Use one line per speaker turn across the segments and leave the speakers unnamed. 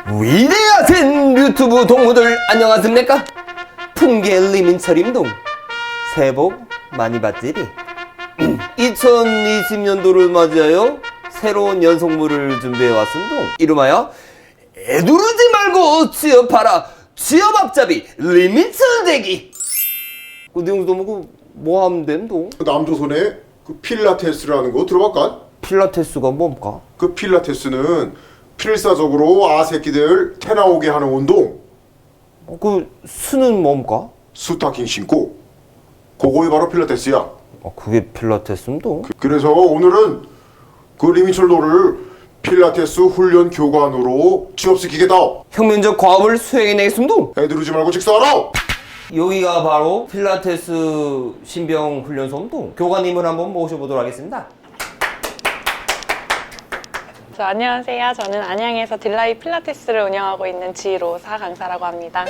위대하신 유튜브 동무들 안녕하십니까? 풍계 리민철임동 새해 복 많이 받지리. 2020년도를 맞이하여 새로운 연속물을 준비해 왔음동 이름하여 애두르지 말고 취업하라 취업 앞잡이 리민철 대기. 그 내용도 뭐 하면 된동?
남조선의 그 필라테스라는 거 들어볼까?
필라테스가 뭡니까?
그 필라테스는 필사적으로 아새끼들 태나오게 하는 운동.
그 수는 뭡니까?
스타킹 신고. 그거이 바로 필라테스야.
그게 필라테스임동?
그래서 오늘은 그 리민철도를 필라테스 훈련 교관으로 취업시키겠다.
혁명적 과업을 수행해내겠음동?
애들르지 말고 직사하라.
여기가 바로 필라테스 신병 훈련소임동. 교관님을 한번 모셔보도록 하겠습니다.
안녕하세요. 저는 안양에서 딜라이 필라테스를 운영하고 있는 지로사 강사라고 합니다.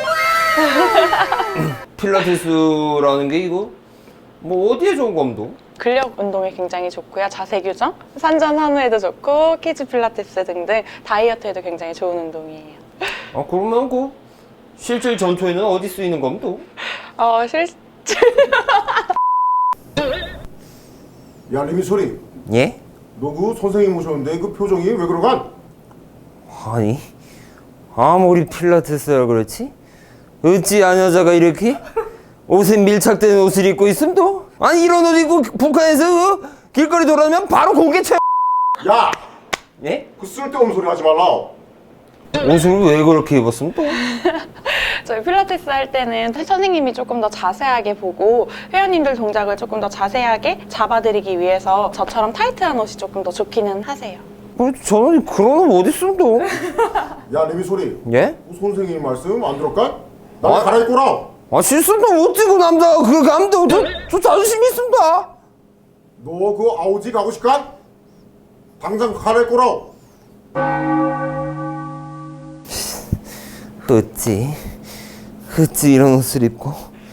필라테스라는 게 이거 뭐 어디에 좋은 겁니까?
근력 운동에 굉장히 좋고요. 자세 교정, 산전환우에도 좋고 키즈 필라테스 등등 다이어트에도 굉장히 좋은 운동이에요.
그러면 그 실질 전투에는 어디 쓰이는 겁니까?
야 리민철이,
예?
너 그 선생님 오셨는데 그 표정이 왜 그러간?
아니 아무리 필라테스라 그렇지 어찌 안 여자가 이렇게 옷에 밀착된 옷을 입고 있음도? 아니 이런 옷 입고 북한에서 그 길거리 돌아다니면 바로 공개 채.
야!
예?
그 쓸데없는 소리 하지 말라.
옷을 왜 그렇게 입었음 또?
저희 필라테스 할 때는 선생님이 조금 더 자세하게 보고 회원님들 동작을 조금 더 자세하게 잡아드리기 위해서 저처럼 타이트한 옷이 조금 더 좋기는 하세요.
저는 그런 옷 어디 있음 또?
야 리민철이,
예?
그 선생님 말씀 안 들었까? 나
아.
갈아입고라.
실수도 어찌고 남자가 그렇게 하면 저 자존심 있습니다.
너 그 아우지 가고 싶까? 당장 갈아입고라.
어찌 이런 옷을 입고?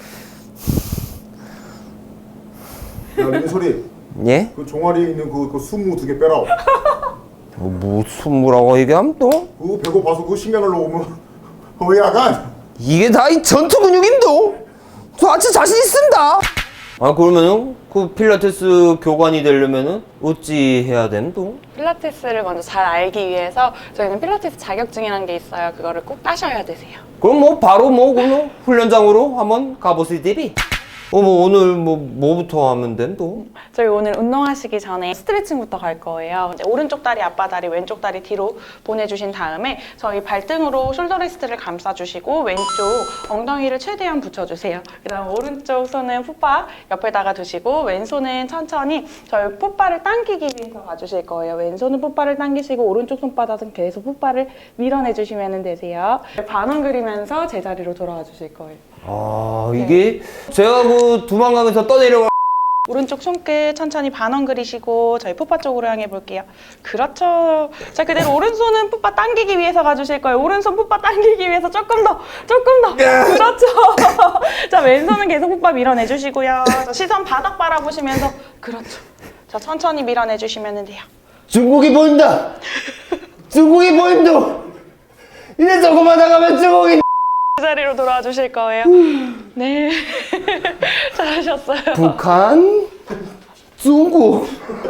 야 리민철이,
예?
그 종아리에 있는 그 순무 2개 빼라.
뭐 순무라고 얘기하면 또?
그거 배고파서 그 식량을 넣으면 허야간.
이게 다 이 전투 근육임도? 저 아주 자신 있습니다. 그러면은 그 필라테스 교관이 되려면은 어찌 해야 됨도?
필라테스를 먼저 잘 알기 위해서 저희는 필라테스 자격증이라는 게 있어요. 그거를 꼭 따셔야 되세요.
그럼 뭐 바로 그 훈련장으로 한번 가보시디비. 오늘 뭐부터 하면 됨도?
저희 오늘 운동하시기 전에 스트레칭부터 갈 거예요. 이제 오른쪽 다리 앞바다리, 왼쪽 다리 뒤로 보내주신 다음에 저희 발등으로 숄더 레스트를 감싸주시고 왼쪽 엉덩이를 최대한 붙여주세요. 그 다음 오른쪽 손은 풋바 옆에다가 두시고 왼손은 천천히 저희 풋바를 당기기 위해서 가주실 거예요. 왼손은 풋바를 당기시고 오른쪽 손바닥은 계속 풋바를 밀어내주시면 되세요. 반원 그리면서 제자리로 돌아와 주실 거예요.
이게 제가 그 도망가면서 떠내려가.
오른쪽 손끝 천천히 반원 그리시고 저희 풋바 쪽으로 향해 볼게요. 그렇죠. 자, 그대로 오른손은 풋바 당기기 위해서 가주실 거예요. 오른손 풋바 당기기 위해서 조금 더. 그렇죠. 자, 왼손은 계속 풋바 밀어내주시고요. 자, 시선 바닥 바라보시면서 그렇죠. 자, 천천히 밀어내주시면 돼요.
중국이 보인다. 중국이 보인다. 이제 조금만 나가면 중국이.
자리로 돌아와 주실 거예요. 네. 잘하셨어요.
북한, 중국,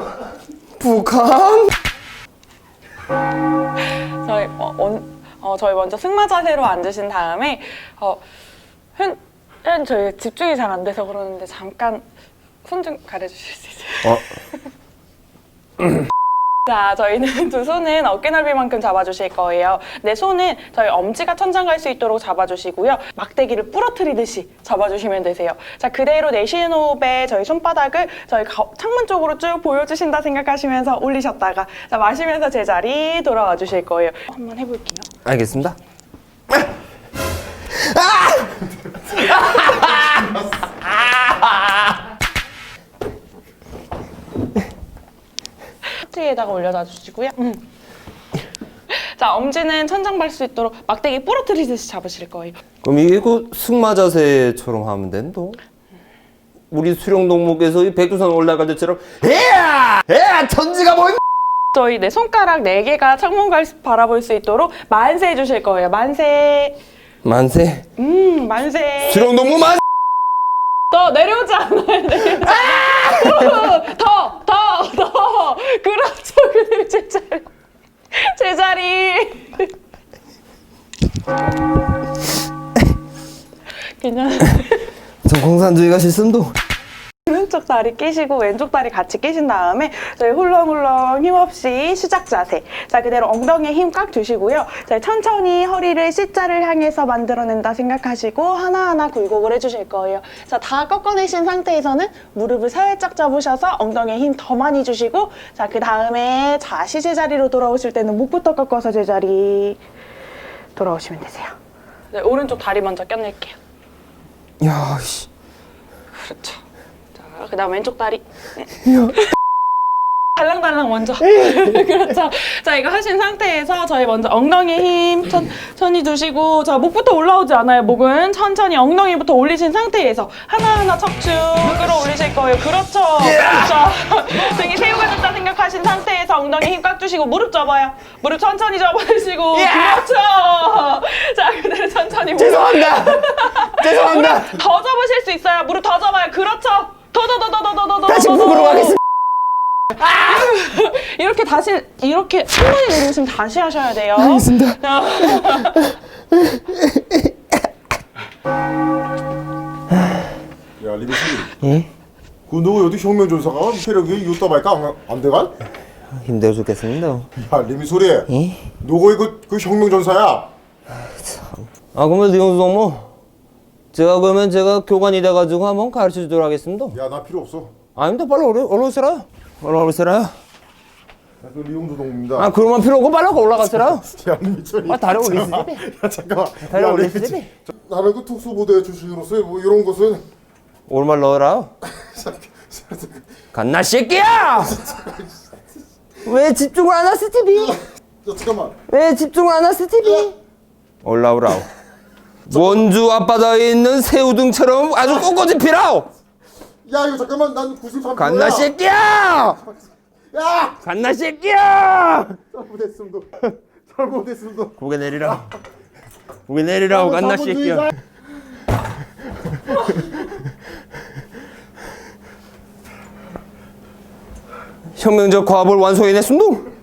북한.
저희 먼저 승마 자세로 앉으신 다음에 저희 집중이 잘 안 돼서 그러는데 잠깐 손 좀 가려주실 수 있어요? 자, 저희는 두 손은 어깨 넓이만큼 잡아주실 거예요. 내 손은 저희 엄지가 천장 갈 수 있도록 잡아주시고요. 막대기를 부러뜨리듯이 잡아주시면 되세요. 자, 그대로 내쉬는 호흡에 저희 손바닥을 저희 창문 쪽으로 쭉 보여주신다 생각하시면서 올리셨다가 자, 마시면서 제자리 돌아와 주실 거예요. 한번 해볼게요.
알겠습니다.
트리에다가 올려놔 주시고요. 자, 엄지는 천장 갈 수 있도록 막대기 부러뜨리듯이 잡으실 거예요.
그럼 이게 그 승마 자세처럼 하면 된도? 우리 수령 동목에서 이 백두산 올라갈 때처럼 에야! 에야! 천지가 보인다!
저희 네 손가락 4개가 창문을 바라볼 수 있도록 만세 해주실 거예요. 만세.
만세.
만세.
수령 너무 만.
더 내려오지 않아요. 내려오지 않아요. 더. 그렇죠. 그대로 제자리. 제자리. 괜찮아요.
저 공산주의가 싫음도.
오른쪽 다리 끼시고 왼쪽 다리 같이 끼신 다음에 저희 훌렁훌렁 힘없이 시작 자세. 자, 그대로 엉덩이에 힘 꽉 주시고요. 자, 천천히 허리를 C자를 향해서 만들어낸다 생각하시고 하나하나 굴곡을 해주실 거예요. 자, 다 꺾어내신 상태에서는 무릎을 살짝 잡으셔서 엉덩이에 힘 더 많이 주시고, 자, 그 다음에 다시 제자리로 돌아오실 때는 목부터 꺾어서 제자리 돌아오시면 되세요. 네, 오른쪽 다리 먼저 껴낼게요.
야, 씨.
그렇죠. 자, 그 다음 왼쪽 다리. 달랑달랑 먼저. 그렇죠. 자, 이거 하신 상태에서 저희 먼저 엉덩이에 힘 천천히 주시고, 자, 목부터 올라오지 않아요. 목은 천천히 엉덩이부터 올리신 상태에서 하나하나 척추 끌어올리실 거예요. 그렇죠. 그렇죠. 등이 새우가 됐다 생각하신 상태에서 엉덩이 힘 꽉 주시고 무릎 접어요. 무릎 천천히 접어주시고. 그렇죠. 자, 그대로 천천히.
죄송합니다. 죄송합니다.
더 접으실 수 있어요. 무릎 더 접어요. 그렇죠. 더.
다시 북으로 가겠습니다.
이렇게 다시 이렇게 한 번에 내려오시면 다시 하셔야 돼요.
알겠습니다.
야 리미씨
예?
그 너 여기 혁명전사가 체력이 요따발까 안 돼간?
힘들어 죽겠습니다.
야 리미소리
예?
너가 그 혁명전사야.
아, 그러면 이용수 동무, 제가 교관이 돼가지고 한번 가르쳐 주도록 하겠습니다.
야 나 필요 없어.
아닙니다. 빨리 올라오세요. 올라오세요.
그 리용주 동무입니다.
아, 그러면 필요 없고 빨리 올라가세요.
야 리미철이.
아, 다리 올리시지.
야 잠깐만.
다리
야,
올리시지.
리미치. 나는 그 특수부대 출신으로서 뭐 이런 것은
얼마 넣어라. 갓나 새끼야! 왜 집중을 안 하시 TV?
야 잠깐만.
왜 집중을 안 하시 TV? 올라오라오. 원주 앞바다에 있는 새우등처럼 아주 꼿꼿이 피라오.
야 이거 잠깐만 난 93kg야.
갓나 새끼야!
야
갓나 새끼야!
잘못했습니다.
고개 내리라. 고개 내리라고 갓나 새끼야. 혁명적 과업을 완성해냈음도